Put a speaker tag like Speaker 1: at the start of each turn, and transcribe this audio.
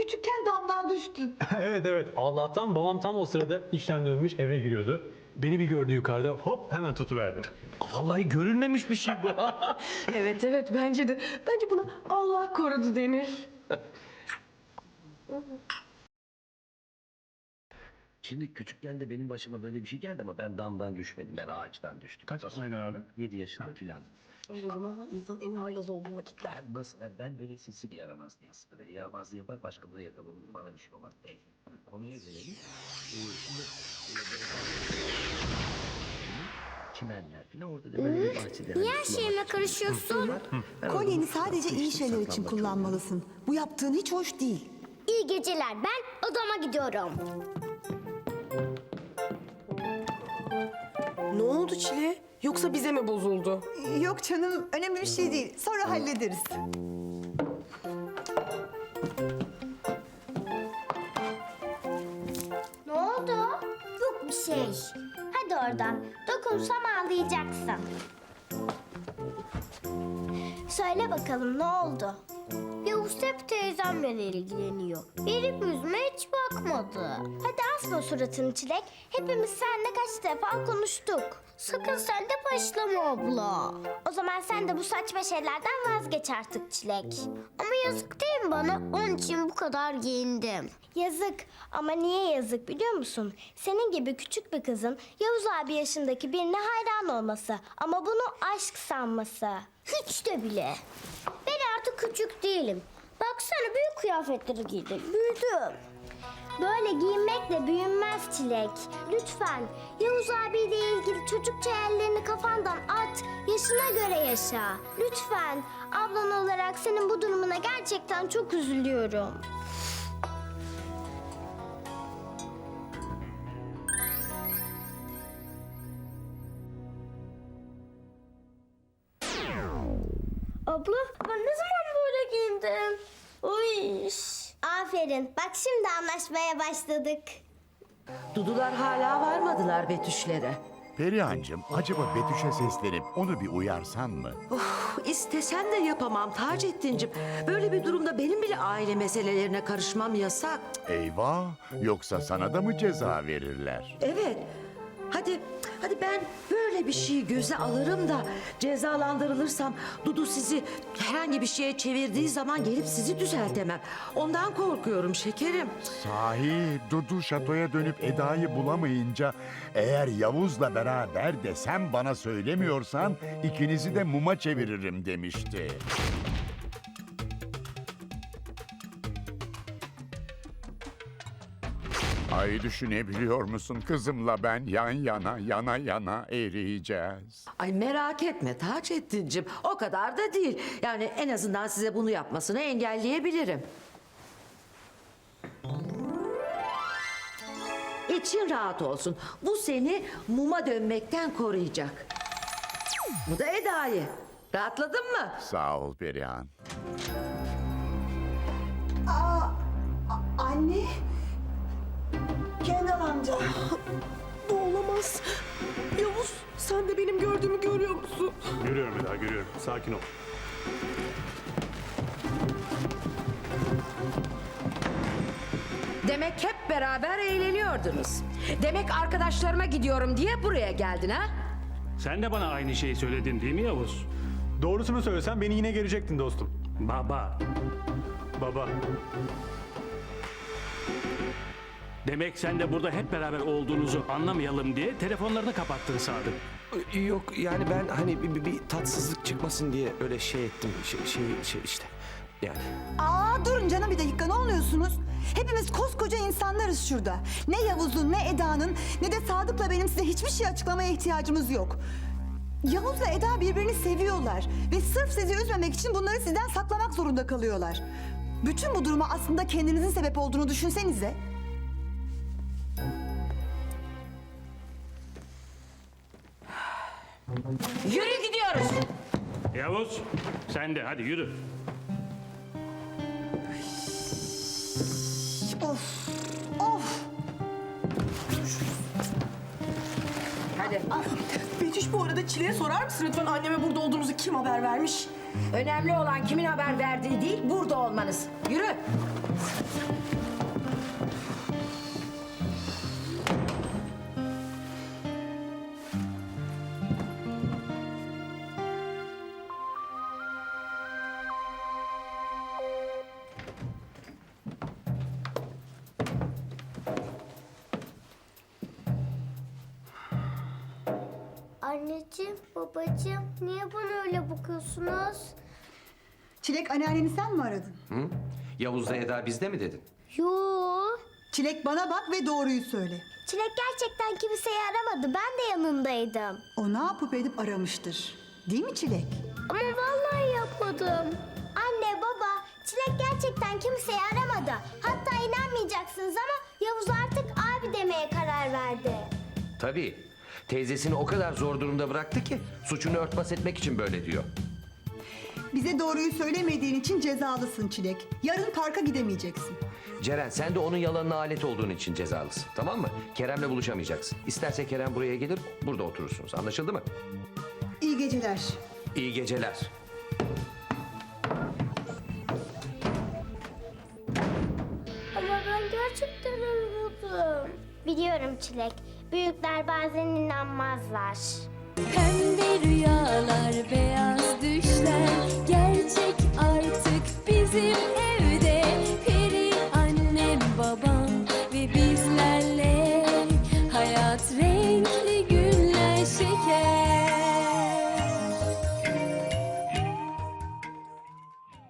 Speaker 1: küçükken damdan düştün.
Speaker 2: Evet evet. Allah'tan babam tam o sırada işten dönmüş eve giriyordu. Beni bir gördü yukarıda hop hemen tutuverdi. Vallahi görülmemiş bir şey bu.
Speaker 1: Evet bence de. Bence buna Allah korudu denir.
Speaker 3: Şimdi küçükken de benim başıma böyle bir şey geldi ama ben damdan düşmedim. Ben ağaçtan düştüm.
Speaker 2: Kaç yaşındaydın abi?
Speaker 3: 7 yaşında filan.
Speaker 1: O zaman insan en haylaz olduğu vakitler.
Speaker 3: Ben böyle sinsi bir yaramaz değilim. Böyle yaramazlığı yapar başkaları yakalanır. Bana bir şey olmaz. Konuya gelelim. Şimdi çimenler filan orada da böyle bir bahçede.
Speaker 4: Niye her şeyime karışıyorsun?
Speaker 5: Kolyeni sadece iyi şeyler için kullanmalısın. Bu yaptığın hiç hoş değil.
Speaker 4: İyi geceler. Ben odama gidiyorum.
Speaker 1: Ne oldu Çile? Yoksa bize mi bozuldu?
Speaker 5: Yok canım, önemli bir şey değil. Sonra hallederiz.
Speaker 4: Ne oldu? Yok bir şey. Hadi oradan. Dokunsam ağlayacaksın. Söyle bakalım ne oldu? Yavuz hep teyzemle ilgileniyor. Benim yüzüme hiç bakmadı. Hadi asma suratını Çilek. Hepimiz seninle kaç defa konuştuk. Sakın sen de başlama abla. O zaman sen de bu saçma şeylerden vazgeç artık Çilek. Ama yazık değil mi bana? Onun için bu kadar giyindim. Yazık. Ama niye yazık biliyor musun? Senin gibi küçük bir kızın Yavuz abi yaşındaki birine hayran olması. Ama bunu aşk sanması. Hiç de bile. Ben artık küçük değilim. Baksana büyük kıyafetleri giydim. Büyüdüm. Böyle giyinmekle büyünmez Çilek. Lütfen Yavuz abiyle ilgili çocukça hayallerini kafandan at. Yaşına göre yaşa. Lütfen ablan olarak senin bu durumuna gerçekten çok üzülüyorum. Abla ben ne zaman böyle giyindim? Uy. Aferin. Bak şimdi anlaşmaya başladık.
Speaker 6: Dudular hala varmadılar Betüşlere.
Speaker 7: Perihan'cığım acaba Betüş'e seslenip onu bir uyarsan mı?
Speaker 6: İstesem de yapamam Taceddin'cim. Böyle bir durumda benim bile aile meselelerine karışmam yasak.
Speaker 7: Eyvah, yoksa sana da mı ceza verirler?
Speaker 6: Evet. Hadi ben böyle bir şeyi göze alırım da cezalandırılırsam Dudu sizi herhangi bir şeye çevirdiği zaman gelip sizi düzeltemem. Ondan korkuyorum şekerim.
Speaker 7: Sahi Dudu şatoya dönüp Eda'yı bulamayınca eğer Yavuz'la beraber de sen bana söylemiyorsan ikinizi de muma çeviririm demişti. Ay düşünebiliyor musun kızımla ben yan yana eriyeceğiz.
Speaker 6: Ay merak etme Taceddin'cim, o kadar da değil. Yani en azından size bunu yapmasını engelleyebilirim. İçin rahat olsun. Bu seni muma dönmekten koruyacak. Bu da Eda'yı. Rahatladın mı?
Speaker 7: Sağ ol Perihan.
Speaker 5: Anne. Kenan amca.
Speaker 1: Bu olamaz. Yavuz sen de benim gördüğümü görüyor musun?
Speaker 2: Görüyorum bir daha görüyorum. Sakin ol.
Speaker 8: Demek hep beraber eğleniyordunuz. Demek arkadaşlarıma gidiyorum diye buraya geldin ha?
Speaker 9: Sen de bana aynı şeyi söyledin değil mi Yavuz?
Speaker 2: Doğrusunu söylesen beni yine görecektin dostum.
Speaker 9: Baba.
Speaker 2: Baba.
Speaker 9: Demek sen de burada hep beraber olduğunuzu anlamayalım diye telefonlarını kapattın Sadık.
Speaker 10: Yok yani ben hani bir tatsızlık çıkmasın diye öyle şey ettim. Şey işte. Yani.
Speaker 5: Durun canım bir dakika, ne oluyorsunuz? Hepimiz koskoca insanlarız şurada. Ne Yavuz'un, ne Eda'nın, ne de Sadık'la benim size hiçbir şey açıklamaya ihtiyacımız yok. Yavuz'la Eda birbirini seviyorlar ve sırf sizi üzmemek için bunları sizden saklamak zorunda kalıyorlar. Bütün bu duruma aslında kendinizin sebep olduğunu düşünsenize.
Speaker 8: Yürü gidiyoruz.
Speaker 9: Yavuz sen de hadi yürü.
Speaker 5: Of!
Speaker 8: Hadi.
Speaker 1: Betüş bu arada Çile'ye sorar mısın lütfen anneme burada olduğunuzu kim haber vermiş?
Speaker 8: Önemli olan kimin haber verdiği değil, burada olmanız. Yürü.
Speaker 4: Anneciğim, babacığım niye bana öyle bakıyorsunuz?
Speaker 5: Çilek, anneanneni sen mi aradın?
Speaker 10: Yavuz'la Eda bizde mi dedin?
Speaker 4: Yoo.
Speaker 5: Çilek, bana bak ve doğruyu söyle.
Speaker 4: Çilek gerçekten kimseyi aramadı. Ben de yanındaydım.
Speaker 5: O ne yapıp edip aramıştır. Değil mi Çilek?
Speaker 4: Ama vallahi yapmadım. Anne, baba, Çilek gerçekten kimseyi aramadı. Hatta inanmayacaksınız ama Yavuz artık abi demeye karar verdi.
Speaker 10: Tabii. Teyzesini o kadar zor durumda bıraktı ki suçunu örtbas etmek için böyle diyor.
Speaker 5: Bize doğruyu söylemediğin için cezalısın Çilek. Yarın parka gidemeyeceksin.
Speaker 10: Ceren sen de onun yalanına alet olduğun için cezalısın. Tamam mı? Kerem'le buluşamayacaksın. İsterse Kerem buraya gelir, burada oturursunuz. Anlaşıldı mı?
Speaker 5: İyi geceler.
Speaker 10: İyi geceler.
Speaker 4: Ama ben gerçekten anladım. Biliyorum Çilek. Büyükler bazen inanmazlar.
Speaker 11: Pembe rüyalar, beyaz düşler gerçek artık bizim